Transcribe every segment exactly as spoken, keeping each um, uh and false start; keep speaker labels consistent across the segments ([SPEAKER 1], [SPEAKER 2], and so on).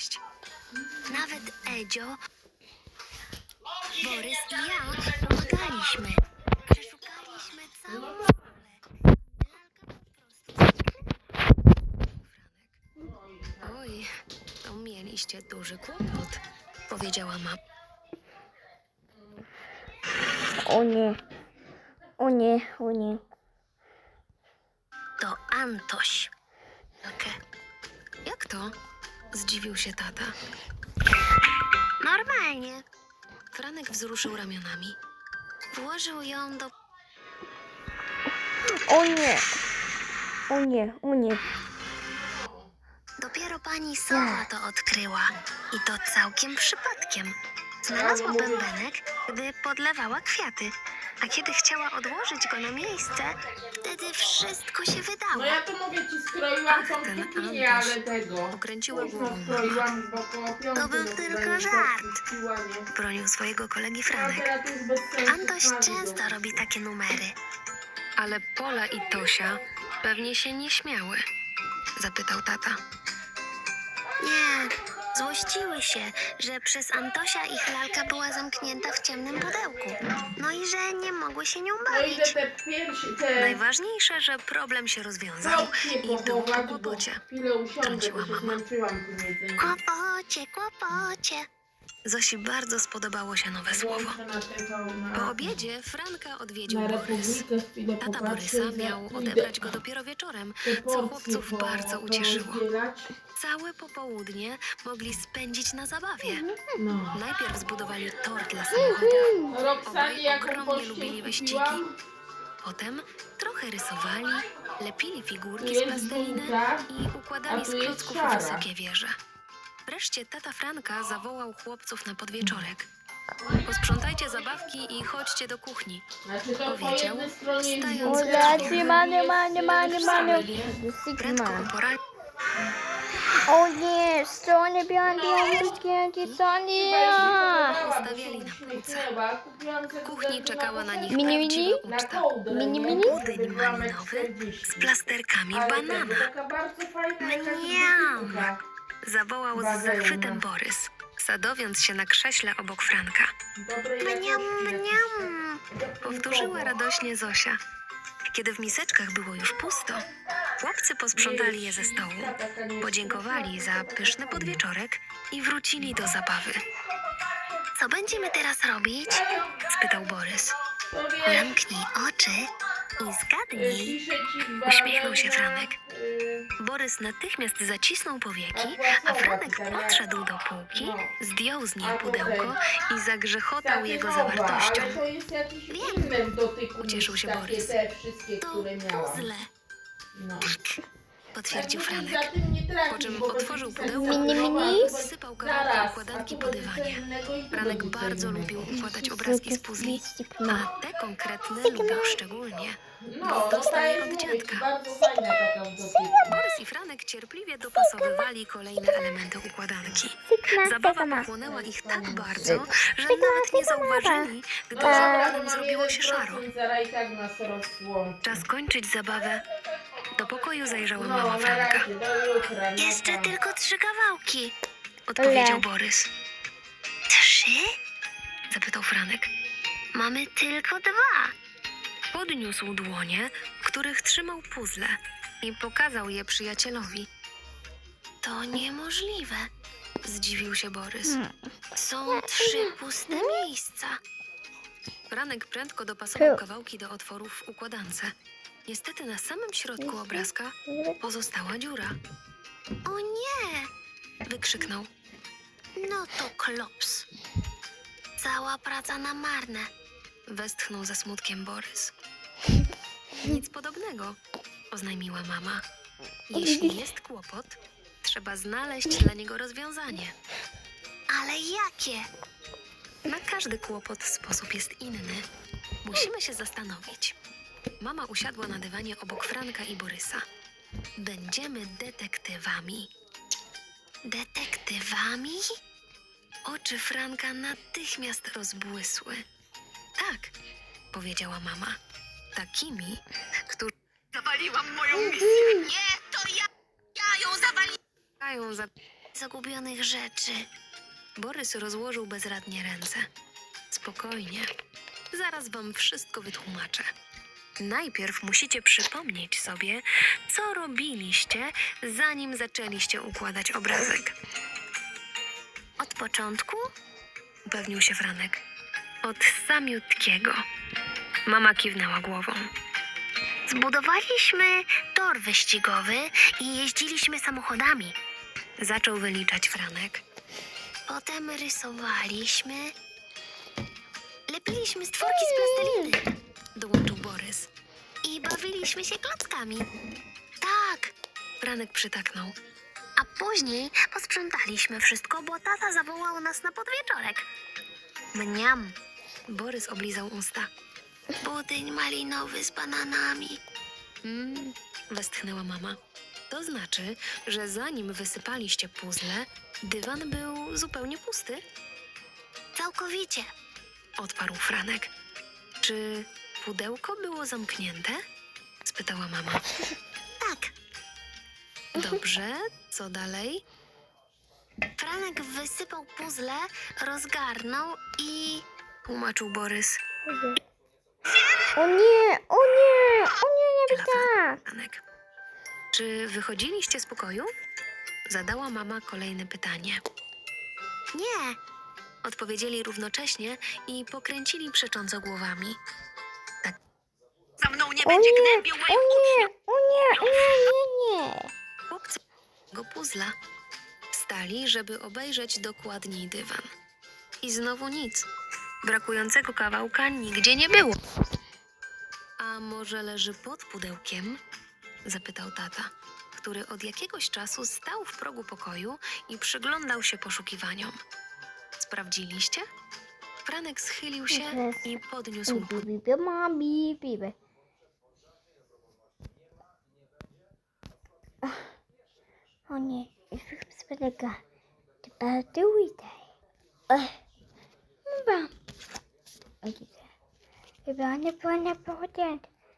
[SPEAKER 1] znaleźć. Nawet Edzio, Borys i ja pomagaliśmy. Przeszukaliśmy całą szkołę. Lalka po prostu... Oj, to mieliście duży kłopot, powiedziała mama.
[SPEAKER 2] O nie. O nie, o nie.
[SPEAKER 1] To Antoś. Okay. Jak to? Zdziwił się tata. Normalnie. Franek wzruszył ramionami. Włożył ją do...
[SPEAKER 2] O nie. O nie, o nie.
[SPEAKER 1] Dopiero pani Sowa to odkryła. I to całkiem przypadkiem. Znalazła bębenek, gdy podlewała kwiaty. A kiedy chciała odłożyć go na miejsce, wtedy wszystko się wydało.
[SPEAKER 3] No ja to mogę ci skroiłam tą
[SPEAKER 1] ten
[SPEAKER 3] kuchnię,
[SPEAKER 1] Antoś.
[SPEAKER 3] ale tego.
[SPEAKER 1] Okręciła
[SPEAKER 3] Mocno
[SPEAKER 1] głową.
[SPEAKER 3] skroiłam, bo koło piątej
[SPEAKER 1] To był
[SPEAKER 3] do
[SPEAKER 1] tylko
[SPEAKER 3] tego
[SPEAKER 1] żart.
[SPEAKER 3] puściła, nie?
[SPEAKER 1] Bronił swojego kolegi
[SPEAKER 3] No,
[SPEAKER 1] Franek.
[SPEAKER 3] teraz już bez sensu
[SPEAKER 1] Antoś
[SPEAKER 3] smaży
[SPEAKER 1] często
[SPEAKER 3] go.
[SPEAKER 1] robi takie numery. Ale Pola i Tosia pewnie się nie śmiały, zapytał tata. Nie, złościły się, że przez Antosia ich lalka była zamknięta w ciemnym pudełku. No i że nie mogły się nią
[SPEAKER 3] No idę
[SPEAKER 1] bawić.
[SPEAKER 3] te piersi, te
[SPEAKER 1] Najważniejsze, że problem się rozwiązał
[SPEAKER 3] kropki
[SPEAKER 1] i był po
[SPEAKER 3] pochować, bo
[SPEAKER 1] kłopocie.
[SPEAKER 3] chwilę usiądę,
[SPEAKER 1] Trąciła
[SPEAKER 3] bo się
[SPEAKER 1] mama.
[SPEAKER 3] zmęczyłam tym jedzeniem.
[SPEAKER 1] Kłopocie, kłopocie. Zosi bardzo spodobało się nowe słowo.
[SPEAKER 3] Włączę na T V, na,
[SPEAKER 1] Po obiedzie Franka odwiedził
[SPEAKER 3] na
[SPEAKER 1] Borys.
[SPEAKER 3] Republikę chwilę
[SPEAKER 1] Tata
[SPEAKER 3] popatrzę
[SPEAKER 1] Borysa
[SPEAKER 3] i
[SPEAKER 1] miał
[SPEAKER 3] za-
[SPEAKER 1] odebrać
[SPEAKER 3] idę
[SPEAKER 1] go dopiero wieczorem,
[SPEAKER 3] te
[SPEAKER 1] co
[SPEAKER 3] porcje
[SPEAKER 1] chłopców
[SPEAKER 3] po-
[SPEAKER 1] bardzo ucieszyło.
[SPEAKER 3] porozdzielać.
[SPEAKER 1] Całe popołudnie mogli spędzić na zabawie.
[SPEAKER 3] No.
[SPEAKER 1] Najpierw zbudowali tor dla samochodów,
[SPEAKER 3] Roxanie,
[SPEAKER 1] Obaj
[SPEAKER 3] jaką
[SPEAKER 1] ogromnie
[SPEAKER 3] pościel
[SPEAKER 1] lubili wyścigi.
[SPEAKER 3] kupiłam?
[SPEAKER 1] potem trochę rysowali, lepili figurki
[SPEAKER 3] Tu
[SPEAKER 1] z
[SPEAKER 3] jest
[SPEAKER 1] plasteliny
[SPEAKER 3] dwójka,
[SPEAKER 1] i
[SPEAKER 3] a
[SPEAKER 1] układali z
[SPEAKER 3] tu jest
[SPEAKER 1] klocków
[SPEAKER 3] szara.
[SPEAKER 1] wysokie wieże. Wreszcie tata Franka zawołał chłopców na podwieczorek. Posprzątajcie zabawki i chodźcie do kuchni.
[SPEAKER 3] Znaczy to po
[SPEAKER 1] Powiedział,
[SPEAKER 3] jednej stronie jest
[SPEAKER 1] stając
[SPEAKER 3] dwójka,
[SPEAKER 1] na
[SPEAKER 3] a
[SPEAKER 1] drzwiach.
[SPEAKER 3] po
[SPEAKER 2] Ulacie, manie,
[SPEAKER 3] drugiej
[SPEAKER 2] manie,
[SPEAKER 3] jest
[SPEAKER 2] manie, manie.
[SPEAKER 3] Sigma.
[SPEAKER 1] Prędko
[SPEAKER 2] Sigma.
[SPEAKER 1] po poranku
[SPEAKER 2] O nie, stronie białe, białe, stronie.
[SPEAKER 1] Stawiali na półce. W kuchni czekała na nich
[SPEAKER 2] Mini, mini?
[SPEAKER 1] prawdziwa uczta.
[SPEAKER 2] Mini, mini?
[SPEAKER 1] Budyń malinowy z plasterkami banana. Mniam! Zawołał z zachwytem Borys, sadowiąc się na krześle obok Franka. Mniam, mniam! Powtórzyła radośnie Zosia. Kiedy w miseczkach było już pusto, chłopcy posprzątali je ze stołu, podziękowali za pyszny podwieczorek i wrócili do zabawy. Co będziemy teraz robić? Spytał Borys. Zamknij oczy i zgadnij. Uśmiechnął się Franek. Borys natychmiast zacisnął powieki, a Franek podszedł do półki, zdjął z niej pudełko i zagrzechotał jego zawartością. Wiem, ucieszył się Borys. To puzzle,
[SPEAKER 3] No.
[SPEAKER 1] potwierdził Franek. Po czym
[SPEAKER 3] Po
[SPEAKER 1] otworzył pudełko
[SPEAKER 2] Mini, mini?
[SPEAKER 1] i sypał kawałki układanki po dywanie. Franek bardzo lubił układać obrazki z puzli, a te konkretne lubił szczególnie.
[SPEAKER 3] No,
[SPEAKER 1] Dostaje
[SPEAKER 3] dostaje
[SPEAKER 1] od dziadka.
[SPEAKER 3] Bardzo fajna taka w dotyku.
[SPEAKER 1] Borys i Franek cierpliwie dopasowywali kolejne elementy układanki. Zabawa pochłonęła ich tak bardzo, że nawet nie zauważyli, gdy za oknem zrobiło się szaro.
[SPEAKER 3] Zaraz i tak nas rozłączy.
[SPEAKER 1] Czas kończyć zabawę. Do pokoju zajrzała
[SPEAKER 3] No,
[SPEAKER 1] mama
[SPEAKER 3] na
[SPEAKER 1] Franka.
[SPEAKER 3] razie, do jutra. no
[SPEAKER 1] Jeszcze
[SPEAKER 3] pa.
[SPEAKER 1] tylko trzy kawałki, odpowiedział Borys. Trzy? Zapytał Franek. Mamy tylko dwa. Podniósł dłonie, w których trzymał puzzle i pokazał je przyjacielowi. To niemożliwe, zdziwił się Borys. Są trzy puste miejsca. Franek prędko dopasował kawałki do otworów w układance. Niestety na samym środku obrazka pozostała dziura. O nie! Wykrzyknął. No to klops. Cała praca na marne. Westchnął ze smutkiem Borys. Nic podobnego, oznajmiła mama. Jeśli jest kłopot, trzeba znaleźć dla niego rozwiązanie. Ale jakie? Na każdy kłopot sposób jest inny. Musimy się zastanowić. Mama usiadła na dywanie obok Franka i Borysa. Będziemy detektywami. Detektywami? Oczy Franka natychmiast rozbłysły. Tak, powiedziała mama. Takimi, którzy... Zawaliłam moją misję. Nie, to ja! Ja ją zawaliłam! Za... zagubionych rzeczy. Borys rozłożył bezradnie ręce. Spokojnie. Zaraz wam wszystko wytłumaczę. Najpierw musicie przypomnieć sobie, co robiliście, zanim zaczęliście układać obrazek. Od początku? Upewnił się Franek. Od samiutkiego. Mama kiwnęła głową. Zbudowaliśmy tor wyścigowy i jeździliśmy samochodami. Zaczął wyliczać Franek. Potem rysowaliśmy. Lepiliśmy stworki z plasteliny. Dołączył Borys. I bawiliśmy się klockami. Tak, Franek przytaknął. A później posprzątaliśmy wszystko, bo tata zawołał nas na podwieczorek. Mniam. Borys oblizał usta. Budyń malinowy z bananami. Mmm, westchnęła mama. To znaczy, że zanim wysypaliście puzzle, dywan był zupełnie pusty? Całkowicie, odparł Franek. Czy pudełko było zamknięte? Spytała mama. Tak. Dobrze, co dalej? Franek wysypał puzzle, rozgarnął i... tłumaczył Borys.
[SPEAKER 2] O nie, o nie, o nie, nie być tak.
[SPEAKER 1] Franek. Czy wychodziliście z pokoju? Zadała mama kolejne pytanie. Nie, odpowiedzieli równocześnie i pokręcili przecząco głowami. Tak. Za mną nie
[SPEAKER 2] O
[SPEAKER 1] będzie
[SPEAKER 2] nie,
[SPEAKER 1] gnębił
[SPEAKER 2] o
[SPEAKER 1] moich
[SPEAKER 2] nie, o nie, o nie, nie, nie.
[SPEAKER 1] chłopcy go puzla. Wstali, żeby obejrzeć dokładniej dywan. I znowu nic. Brakującego kawałka nigdzie nie było. A może leży pod pudełkiem? Zapytał tata, który od jakiegoś czasu stał w progu pokoju i przyglądał się poszukiwaniom. Sprawdziliście? Franek schylił się i podniósł
[SPEAKER 2] Bibi, bibi, mami, bibi. O nie, już spolega. Chyba tu idę. Chyba. Chyba nie było na pochodzie.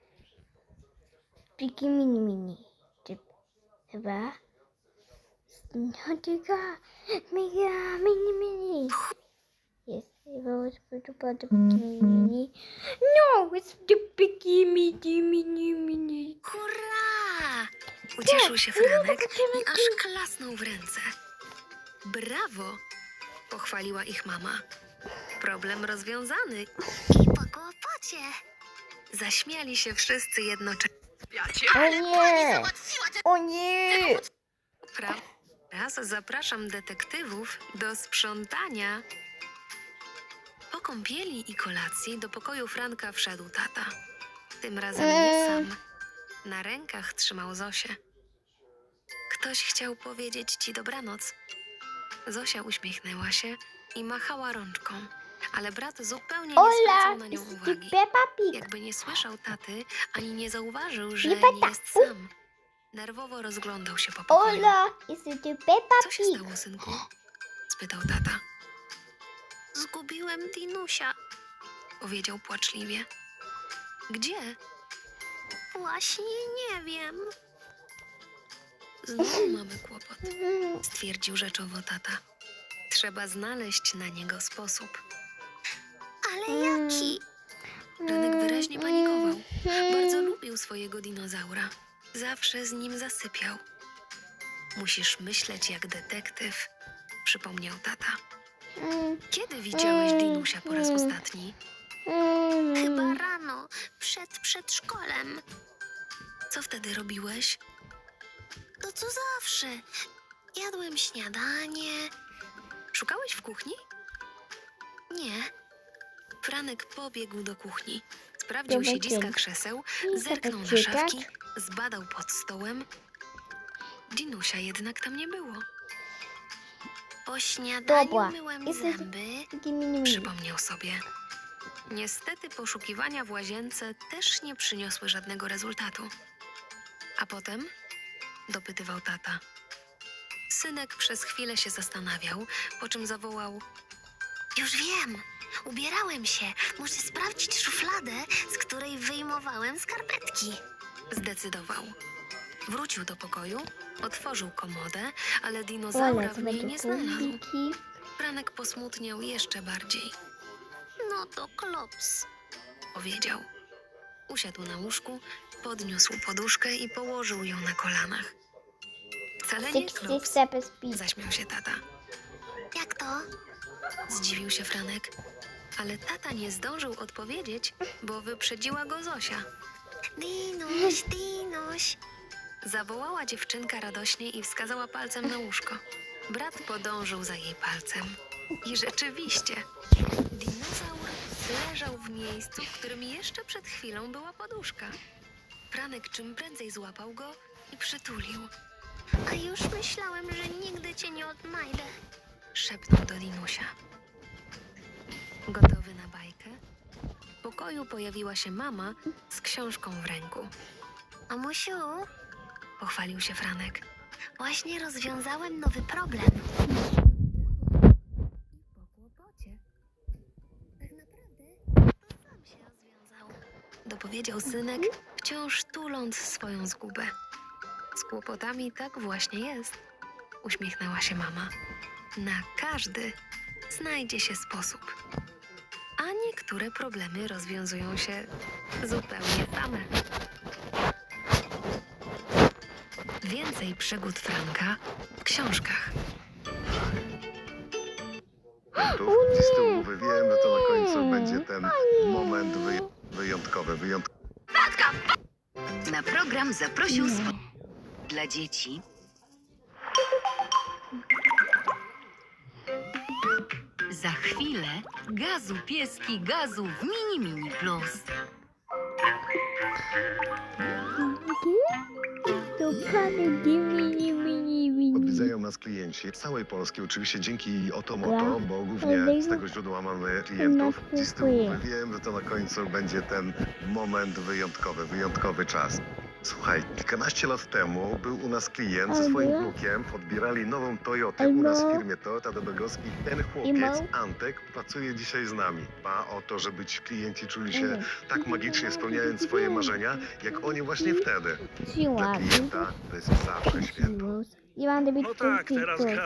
[SPEAKER 2] Piki mini mini. Chyba. No tylko mega mini mini. Yes, it was about the piki mini. No, it's the piki mini mini mini.
[SPEAKER 1] Hurra! Ucieszył się Franek i aż klasnął w ręce. Brawo! Pochwaliła ich mama. Problem rozwiązany. I po kłopocie. Zaśmiali się wszyscy jednocześnie.
[SPEAKER 2] O nie! O nie!
[SPEAKER 1] Pra- Raz zapraszam detektywów do sprzątania. Po kąpieli i kolacji do pokoju Franka wszedł tata. Tym razem nie sam. Na rękach trzymał Zosię. Ktoś chciał powiedzieć ci dobranoc. Zosia uśmiechnęła się i machała rączką, ale brat zupełnie nie
[SPEAKER 2] Ola,
[SPEAKER 1] zwracał na nią
[SPEAKER 2] jest
[SPEAKER 1] uwagi.
[SPEAKER 2] Peppa Pig.
[SPEAKER 1] Jakby nie słyszał taty, ani nie zauważył, że
[SPEAKER 2] Nie
[SPEAKER 1] nie
[SPEAKER 2] pyta.
[SPEAKER 1] jest sam. Nerwowo rozglądał się po pokoju.
[SPEAKER 2] Ola, jest to Peppa
[SPEAKER 1] Co się
[SPEAKER 2] Pig.
[SPEAKER 1] stało, synku? Spytał tata. Zgubiłem Dinusia, powiedział płaczliwie. Gdzie? Właśnie nie wiem. Znowu mamy kłopot, stwierdził rzeczowo tata. Trzeba znaleźć na niego sposób. Ale jaki? Franek wyraźnie panikował. Bardzo lubił swojego dinozaura. Zawsze z nim zasypiał. Musisz myśleć jak detektyw, przypomniał tata. Kiedy widziałeś Dinusia po raz ostatni? Chyba rano, przed przedszkolem. Co wtedy robiłeś? To co zawsze. Jadłem śniadanie. Szukałeś w kuchni? Nie. Franek pobiegł do kuchni. Sprawdził
[SPEAKER 2] Dobra,
[SPEAKER 1] siedziska
[SPEAKER 2] dzień.
[SPEAKER 1] krzeseł,
[SPEAKER 2] I
[SPEAKER 1] zerknął na
[SPEAKER 2] zobaczyć,
[SPEAKER 1] szafki, zbadał pod stołem. Dinusia jednak tam nie było. Po śniadaniu
[SPEAKER 2] Dobra.
[SPEAKER 1] myłem
[SPEAKER 2] I sobie-
[SPEAKER 1] zęby,
[SPEAKER 2] Piki mini mini.
[SPEAKER 1] przypomniał sobie. Niestety poszukiwania w łazience też nie przyniosły żadnego rezultatu. A potem? Dopytywał tata. Synek przez chwilę się zastanawiał, po czym zawołał. Już wiem, ubierałem się. Muszę sprawdzić szufladę, z której wyjmowałem skarpetki. Zdecydował. Wrócił do pokoju, otworzył komodę, ale dinozaura
[SPEAKER 2] Ole,
[SPEAKER 1] w
[SPEAKER 2] to
[SPEAKER 1] niej
[SPEAKER 2] będzie
[SPEAKER 1] nie znalazł.
[SPEAKER 2] kuliki.
[SPEAKER 1] Franek posmutniał jeszcze bardziej. No to klops, powiedział. Usiadł na łóżku, podniósł poduszkę i położył ją na kolanach. Wcale nie
[SPEAKER 2] sixty
[SPEAKER 1] klops,
[SPEAKER 2] step speed.
[SPEAKER 1] zaśmiał się tata. Jak to? Zdziwił się Franek. Ale tata nie zdążył odpowiedzieć, bo wyprzedziła go Zosia. Dinoś, Dinoś! Zawołała dziewczynka radośnie i wskazała palcem na łóżko. Brat podążył za jej palcem. I rzeczywiście, dinozaur leżał w miejscu, w którym jeszcze przed chwilą była poduszka. Franek czym prędzej złapał go i przytulił. A już myślałem, że nigdy cię nie odnajdę, szepnął do Dinusia. Gotowy na bajkę? W pokoju pojawiła się mama z książką w ręku. Mamusiu, pochwalił się Franek. Właśnie rozwiązałem nowy problem. Po kłopocie. Tak naprawdę to sam się rozwiązał. Dopowiedział synek, wciąż tuląc swoją zgubę. Z kłopotami tak właśnie jest, uśmiechnęła się mama. Na każdy znajdzie się sposób. A niektóre problemy rozwiązują się zupełnie same. Więcej przygód Franka w książkach.
[SPEAKER 4] Gdzieś z tyłu mówię, wiem, że to na końcu będzie ten moment wyj- wyjątkowy, wyjątkowy.
[SPEAKER 5] Na program zaprosił spo... dla dzieci za chwilę gazu pieski gazu w Mini Mini Plus.
[SPEAKER 2] Dokładnie, mini, mini, mini.
[SPEAKER 4] Odwiedzają nas klienci z całej Polski, oczywiście dzięki Otomoto, bo głównie z tego źródła mamy klientów. Gdzieś z tyłu mówię, wiem, że to na końcu będzie ten moment wyjątkowy, wyjątkowy czas. Słuchaj, kilkanaście lat temu był u nas klient ze swoim wnukiem, odbierali nową Toyotę u nas w firmie Toyota do Bydgoszczy. Ten chłopiec, Antek, pracuje dzisiaj z nami. Dba o to, żeby ci klienci czuli się tak magicznie, spełniając swoje marzenia, jak oni właśnie wtedy. Dla klienta to jest zawsze święto.
[SPEAKER 2] You want to be
[SPEAKER 6] No tak, teraz gra.